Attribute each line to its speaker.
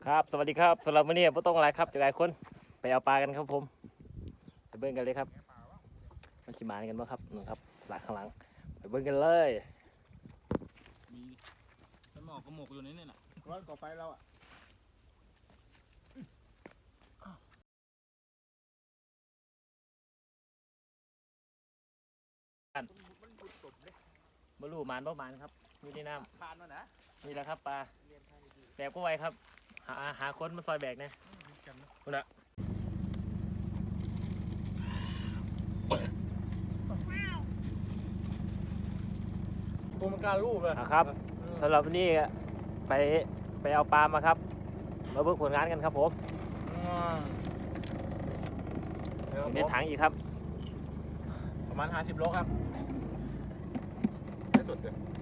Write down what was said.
Speaker 1: ครับสวัสดีครับสำหรับวันนี้ไม่ต้องอะไรครับจะหลายคนไปเอาปลากันครับผมไปเบิ้งกันเลยครับมันชิมานกันบ้างครับนู่นครับหลักข้างหลังไปเบิ้งกันเลย
Speaker 2: มีฉันหมอกกระหมกอยู่ในนี่น่ะ
Speaker 3: ร้อนก่อไฟเราอ่ะ
Speaker 1: บรรลุมานบ่มานครับอยู่ในน้
Speaker 3: ผ่านมานะ
Speaker 1: ำนี่แหละครับปลาแบกก็ไวครับหาคนมาซอยแบกเนี่ยคุณอะ
Speaker 2: ตัวมันการรูปเลย
Speaker 1: ครับสำหรับวันนี้ไปเอาปลามาครับมาเบิ้งผลงานกันครับผมอยู่ในถังอีกครับ
Speaker 2: ประมาณ50 โลครับได้สุดเลย